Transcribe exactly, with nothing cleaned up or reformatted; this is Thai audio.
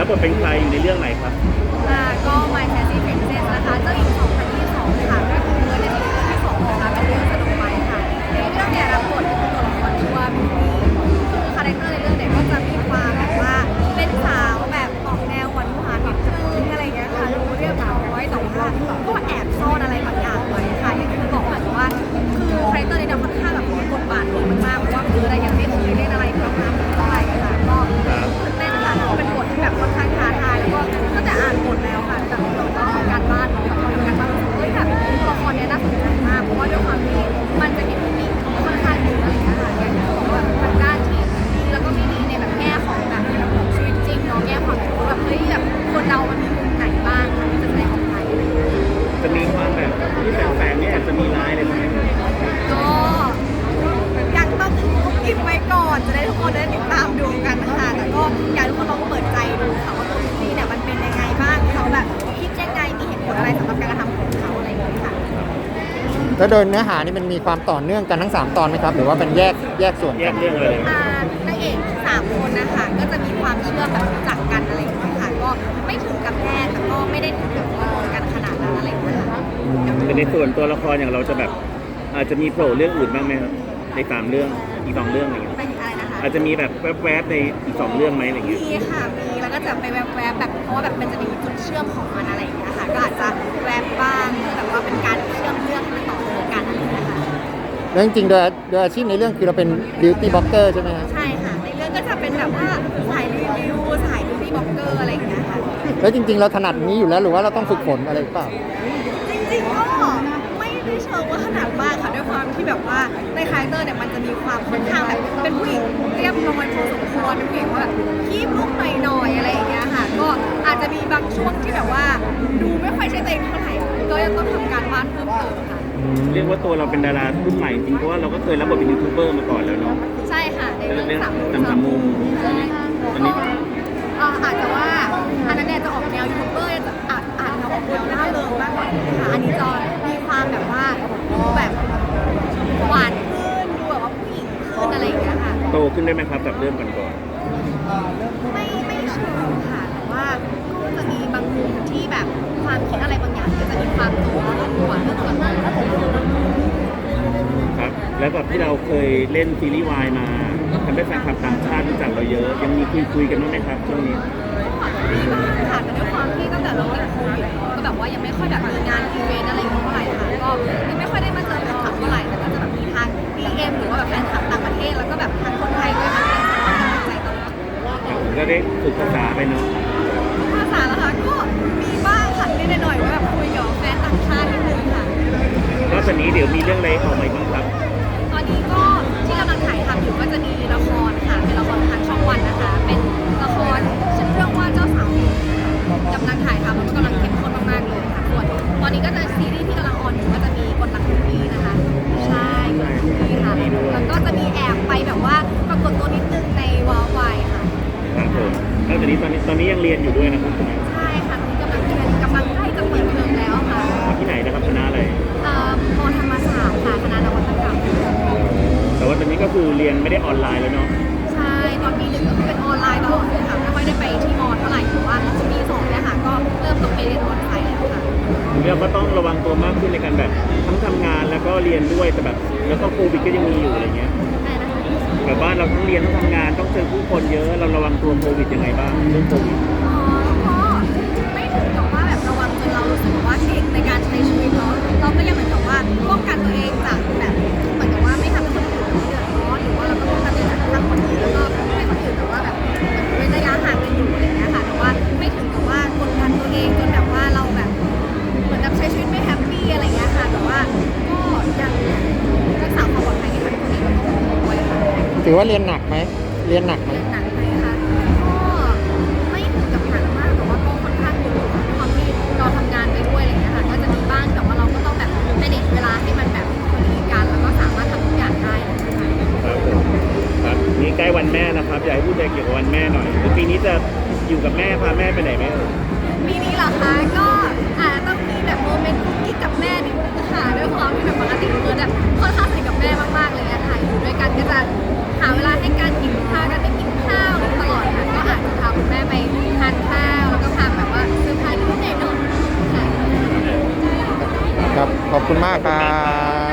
บบทเป็นใครอยู่ในเรื่องไหนครับอ่าก็ My Sassy Princess นะคะเจ้าหญิงสองพันยี่สิบสองค่ะก็คือเมื่อในซีซั่นที่สองนะคะเป็นเรื่องสนุกไปค่ะในเรื่องเนี่ยรับบทเป็นตัวละครชื่อว่ามินนี่คือคาแรคเตอร์ในเรื่องเนี่ยก็จะมีความแบบว่าเป็นสาวแบบออกแนวหวานหวานนิดนึงอะไรอย่างเงี้ยค่ะดูเรียบร้อยแต่ว่าก็แอบซ่อนอะไรบางอย่างไว้ค่ะอย่างที่บอกค่ะว่าคือคาแรคเตอร์ในเรื่องค่อนข้างแบบมีบทบาทดีมากๆเพราะว่าคืออะไรยังไม่เคยเล่นอะไรประมาณนี้เท่าไหร่ค่ะก็ตื่นเต้นค่ะเพราะเป็นบทที่แบบค่อนข้างท้าทายแล้วก็ตั้งแต่อ่านบทแล้วค่ะจากเราก็ทำการบ้านเนาะทำการบ้านรู้สึกเฮ้ยแบบตัวละครเนี้ยน่าสนใจมากเพราะว่าด้วยความที่มันจะมีเทคนิคค่อนข้างเยอะอะไรอย่างเงี้ยค่ะอย่างที่บอกว่าแบบทางด้านที่ดีแล้วก็ไม่ดีในแบบแง่ของแบบชีวิตจริงเนาะแง่ความแบบแบบเฮ้ยแบบคนเรามันมีมุมไหนบ้างค่ะที่จะแสดงออกไปอะไรอย่างเงี้ยจะมีความแบบที่แฝงๆนี่อาจจะมีลายอะไรไหมก็ยังต้องกินไว้ก่อนจะได้ทุกคนได้ติดตามดูกันนะคะแต่ก็อยากให้ทุกคนลองเปิดใจดูค่ะว่าตัวซีเนี่ยมันเป็นยังไงบ้างเขาแบบคิดยังไงมีเหตุผลอะไรสำหรับการกระทำของเขาอะไรอย่างเงี้ยค่ะแล้วโดยเนื้อหานี่มันมีความต่อเนื่องกันทั้งสามตอนไหมครับหรือว่าเป็นแยกแยกส่วนแยกันกเรื่องอะไรอ่านางเอกสามคนนะคะก็จะมีความเชื่อมแบบรู้จักกันอะไรอย่างเงี้ยค่ะก็ไม่ถึงกับแพทย์แต่ก็ไม่ได้ถึงกับว่าโดนกันขนาดนั้นอะไรอย่างเงี้ยค่ะแต่ในส่วนตัวละครอย่างเราจะแบบอาจจะมีโผล่เรื่องอื่นบ้างไหมครับในสามเรื่องอีกสองเรื่องอะไรเงี้ยเป็นอะไรนะคะอาจจะมีแบบแวบๆในอีกสองเรื่องไหมอะไรเงี้ยมีค่ะมีแล้วก็จะไปแวบๆแบบเพราะว่าแบบมันจะมีจุดเชื่อมของมันอะไรอย่างเงี้ยค่ะก็อาจจะแวบบ้างเพื่อแบบว่าเป็นการเชื่อมเรื่องให้มันต่อเนื่องกันอะไรอย่างเงี้ยค่ะแล้วจริงๆโดยโดยอาชีพในเรื่องคือเราเป็น beauty blogger ใช่ไหมครับใช่ค่ะในเรื่องก็จะเป็นแบบว่าสายรีวิวสายบิวตี้บล็อกเกอร์อะไรอย่างเงี้ยค่ะแล้วจริงๆเราถนัดนี้อยู่แล้วหรือว่าเราต้องฝึกฝนอะไรหรือเปล่าจริงๆก็ไม่ได้เชิงว่าขนาดมากค่ะด้วยความที่แบบว่าในคาแรคเตอร์เนี่ยมันจะมีความค่อนข้างแบบเป็นผู้หญิงเรียบร้อยพอสมควรเป็นผู้หญิงว่าแบบขี้ลุกหน่อยๆอะไรอย่างเงี้ยค่ะก็อาจจะมีบางช่วงที่แบบว่าดูไม่ค่อยใช่ตัวเองเท่าไหร่ก็ยังต้องทำการบ้านเพิ่มเติมค่ะเรียกว่าตัวเราเป็นดารารุ่นใหม่จริงเพราะว่าเราก็เคยรับบทเป็นยูทูบเบอร์มาก่อนแล้วเนาะใช่ค่ะในเรื่องสามมุมสามมุมใช่อันนี้เอ่ออาจจะว่าอันนั้นเนี่ยจะออกแนวยูทูบเบอร์จะอาจอาจจะออกแนวน่าเริงมากกว่านี้ค่ะอันนี้จะมีความแบบว่าดูแบบหวานขึ้นดูแบบว่าผู้หญิงขึ้นอะไรอย่างเงี้ยค่ะโตขึ้นได้ไหมครับจากเรื่องก่อนก่อนไม่ไม่เชิงค่ะแต่ว่าก็จะมีบางมุมที่แบบความคิดอะไรบางอย่างก็จะมีความโตขึ้นกว่าเรื่องก่อนหน้าครับแล้วกับที่เราเคยเล่นซีรีส์วายมาทำให้แฟนคลับต่างชาติรู้จักเราเยอะ ยังมีคุยคุยกันบ้างไหมครับช่วงนี้มีบ้างค่ะแต่ด้วยความที่ตั้งแต่เราติดโควิดก็แบบว่ายังไม่ค่อยแบบมีงานอีเวนต์อะไรอย่างเงี้ยเท่าไหร่ค่ะก็ยังไม่ค่อยได้มาเจอแฟนคลับเท่าไหร่แต่ก็จะแบบมีทาง ดี เอ็ม หรือว่าแบบแฟนคลับต่างประเทศแล้วก็แบบทางคนไทยด้วยค่ะให้กำลังใจตลอดก็ได้ฝึกภาษาไปเนาะภาษาละค่ะก็มีบ้างค่ะนิดหน่อยๆว่าแบบคุยกับแฟนต่างชาตินิดนึงค่ะแล้วตอนนี้เดี๋ยวมีเรื่องอะไรออกมาอีกบ้างครับตอนนี้ก็ที่กำลังถ่ายทำอยู่ก็จะมีละครค่ะเป็นละครทางช่องวันนะคะเป็นละครชื่อเรื่องว่าเจ้าสาวหนุ่มกำลังถ่ายทำแล้วก็กำลังเข้มข้นมากๆเลยค่ะส่วนตอนนี้ก็จะซีรีส์ที่กำลังออนอยู่ก็จะมีกฎหลักของปีนะคะใช่กฎหลักของปีค่ะแล้วก็จะมีแอบไปแบบว่าปรากฏตัวนิดนึงในวอลไวค่ะครับผมแล้วตอนนี้ตอนนี้ตอนนี้ยังเรียนอยู่ด้วยนะครับใช่ค่ะตอนนี้กำลังเรียนกำลังใกล้จะเปิดเทอมแล้วค่ะที่ไหนนะครับคณะอะไรเอ่อมอธรรมศาสตร์ค่ะคณะนวัตกรรมแต่ว่าตอนนี้ก็คือเรียนไม่ได้ออนไลน์แล้วเนาะใช่ตอนปีหนึ่งก็คือเป็นออนไลน์ตลอดเลยค่ะไม่ค่อยได้ไปที่มอเท่าไหร่แต่ว่าปีสองเนี่ยค่ะก็เริ่มต้องไปเรียนออนไลน์แล้วค่ะเราก็ต้องระวังตัวมากขึ้นในการแบบทั้งทำงานแล้วก็เรียนด้วยแต่แบบแล้วก็โควิดก็ยังมีอยู่อะไรเงี้ยใช่นะคะแบบบ้านเราทั้งเรียนทั้งทำงานต้องเจอผู้คนเยอะเราระวังตัวโควิดยังไงบ้างเรื่องโควิดอ๋อก็ไม่ถึงกับว่าแบบระวังจนเรารู้สึกว่าเก่งในการใช้ชีวิตเนาะเราก็ยังเหมือนกับว่าป้องกันตัวเองจากแบบเหมือนกับว่าไม่ทำให้คนอื่นเดือดร้อนหรือว่าเราก็ป้องกันตัวเองจากทำคนอื่นแล้วก็ให้คนอื่นแต่ว่าแบบเว้นระยะห่างกันอยู่อะไรอย่างเงี้ยค่ะแต่ว่าไม่ถึงกับว่ากดดันตัวเองจนแบบว่าเราแบบเหมือนกับใช้ชีวิตไม่แฮปปี้อะไรอย่างเงี้ยค่ะแต่ว่าก็ยังรักษาความปลอดภัยให้กับตัวเองด้วยค่ะถือว่าเรียนหนักไหมเรียนหนักไหมเรียนหนักไหมคะก็ไม่ถึงกับหนักมากแต่ว่าก็ค่อนข้างอยู่ค่ะด้วยความที่เราทำงานไปด้วยอะไรอย่างเงี้ยค่ะก็จะมีบ้างแต่ว่าเราก็ต้องแบบ manage เวลาให้มันแบบพอดีกันแล้วก็สามารถทำทุกอย่างได้นะคะครับผมครับนี่ใกล้วันแม่นะครับอยากให้พูดอะไรเกี่ยวกับวันแม่หน่อยปีนี้จะอยู่กับแม่พาแม่ไปไหนไหมเอ่ยปีนี้เหรอคะก็อาจจะต้องมีแบบโมเมนต์กุ๊กกิ๊กกับแม่นิดนึงค่ะด้วยความที่แบบปกติคือแบบค่อนข้างสนิทกับแม่มากๆเลยอะค่ะอยู่ด้วยกันก็จะหาเวลาให้การกินข้าวกันไปกินข้าวตลอดค่ะก็อาจจะพาคุณแม่ไปทานข้าครับ ขอบคุณมากครับ